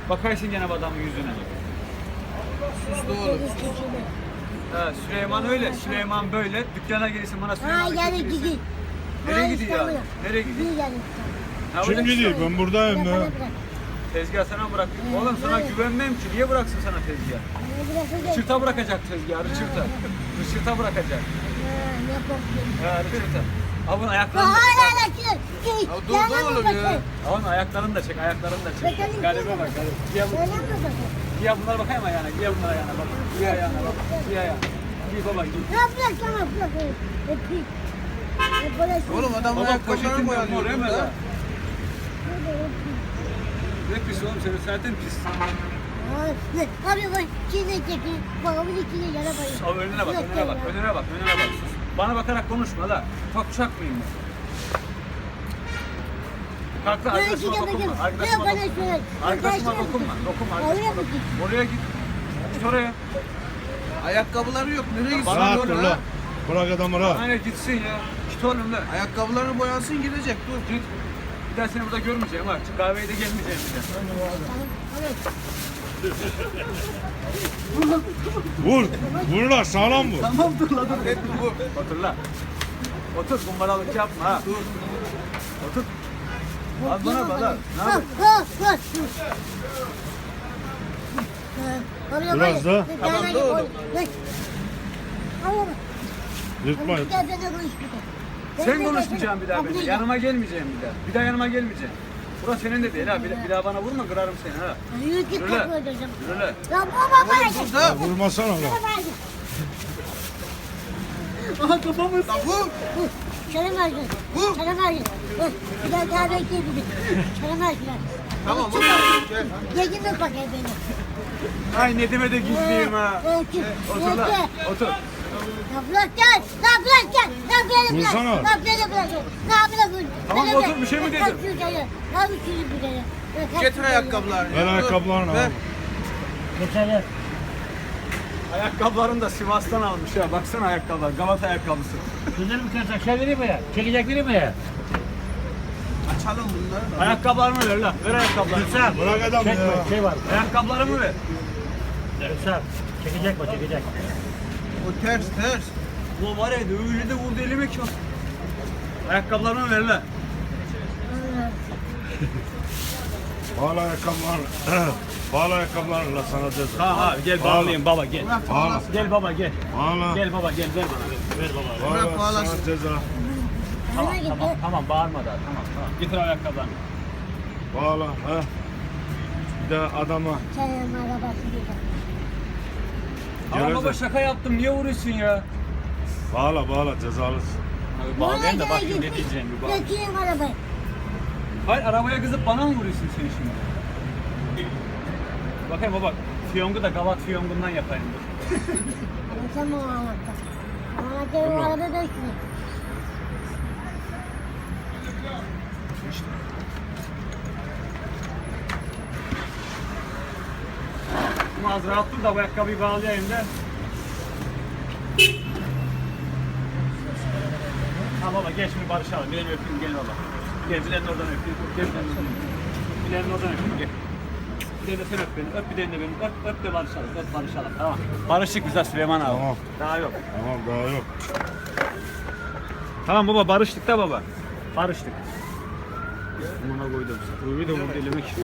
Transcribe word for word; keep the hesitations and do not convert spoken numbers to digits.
Bakarsın gene bu adamın yüzüne. Sus doğru. Ha, Süleyman öyle, Süleyman böyle. Dükkana gelirsin bana Ha Süleyman'ı yani getirirsin. gidiyor. Nereye gidiyor ya? Nereye gidiyor? Ha, Kim öyle- gidiyor? Ben buradayım ya. Tezgah sana bırak. Oğlum sana güvenmem ki. Niye bıraksın sana tezgah? Çırta bırakacak tezgahı, çırta. Çırta bırakacak. Ha, çırta. Avun ayaklarını da çek. Ya dur dur oğlum ya. Avun ayaklarını da çek, ayaklarını da çek. Bakalım. Galiba bak, galiba. Giy bu- giy bunlara bakayım ayağına, giy bunlara ayağına bak. Giy ayağına bak, giy ayağına. Giy baba, giy. Oğlum adam Baba ayakkabılarını poşetin mor boyalıyor hemen burada. ha. Ne pis oğlum senin zaten pis. Abi bak içine çekin. Babamın içine yara bayıyor. Abi önüne bak, önüne bak, önüne bak, önüne bak. Sus. Bana bakarak konuşma la. Ufak uşak mıyım ben? Kalk la, Ben arkadaşıma içine dokunma. bakıyorum. Arkadaşıma Yok, bana dokunma. şöyle. Arkadaşıma Arkadaşıma dokunma. Dokunma Oraya arkadaşıma mı dokunma. git? Oraya git. Git oraya. Ayakkabıları yok. Nereye gitsin? Bana Rahat doğru dur ha. la. Bırak adamı rahat. Aynen gitsin ya. Git oğlum la. Ayakkabılarını boyansın gidecek dur. Git. Bir daha seni burada görmeyeceğim ha. Çık kahveye de gelmeyeceğim bir daha. Vur. Vur la sağlam vur. Tamam dur la dur. Hep bu. Otur la. Otur kumbaralık yapma ha. Dur. Otur. Az bana bak la. Ne yapıyorsun? Biraz da. Tamam, doğru. Yırtma. Sen konuşmayacaksın bir daha benimle. Yanıma gelmeyeceğim bir daha. Bir daha yanıma gelmeyeceksin. Burası senin de değil ha. Bir, bir daha bana vurma kırarım seni ha. Yürü git Yürü lan. kapı ödeyeceğim. Yürü lan. Ya baba bana git. Burada. Vurmasana la. Aha kafamı. La vur. Çarım ağacı. Vur. Çarım ağacı. Bir daha kahve içebiliriz. Çarım ağacı. Tamam vur. Gel. Yedin mi bakayım beni? Ay Nedim'e de gizliyim ha. Öykü. Otur lan. Öykü. Otur. Ya bırak gel. Ya bırak gel. Ya bırak gel. Vursana. Ya bırak bırak. Ya bırak gel. Tamam, Bırak otur, gel. bir şey mi Bırak dedim? şuraya. Ya bir şey bir kere. Bırak Getir şuraya. ayakkabılarını. Ver Dur. ayakkabılarını Ver. al. Geçerler. Ayakkabılarını da Sivas'tan almış ya. Baksana ayakkabılar. Galata ayakkabısı. Güzel mi kıracak? Şey vereyim mi ya? Çekecek vereyim mi ya? Açalım bunları da. Ayakkabılarımı ver lan. Ver ayakkabılarımı. Gülsem. Bırak adamı Çekme. ya. Şey var. Ayakkabılarımı ver. Gülsem. Çekecek mi? Çekecek. O ters ters. Bu var ya öyle de vurdu elime ki. Ayakkabılarımı ver lan. Bağla ayakkabılarını. Bağla ayakkabılarını la sana ceza. Ha ha gel Bağla. bağlayayım baba gel. Bırak Bağla. bağlasın. Gel baba gel. Bağla. Gel baba gel ver bana. Ver baba. Bırak Bağla bağlasın. sana ceza. Tamam Bana tamam gitti. tamam bağırma daha tamam tamam. Getir ayakkabılarını. Bağla. Ha. Bir de adama. Çarım arabası gidiyor. Ama Gelecek. baba şaka yaptım niye vuruyorsun ya? Bağla bağla cezalısın. Abi bağlayayım da bakayım ne diyeceğim bir bak. Geçeyim arabayı. Hayır arabaya kızıp bana mı vuruyorsun sen şimdi? Bakayım baba. Fiyongu da gavat fiyongundan yapayım dur. Sen bu anlattın. Anlattığım arada da üstüne. Ama az rahat dur da bu ayakkabıyı bağlayayım da. Ha baba geç mi barışalım. Bileğini öpeyim gel baba. Gel bileğini oradan öpeyim. Gel bileğini oradan öpeyim. Bileğini oradan öpeyim gel. Bir de sen öp beni. Öp bir de beni. Öp, öp de barışalım. Öp barışalım. Tamam. Barıştık biz ha Süleyman abi. Tamam. Daha yok. Tamam daha yok. Tamam baba barıştık da baba. Barıştık. Buna koydum. Ruhi de vurdu elime ki.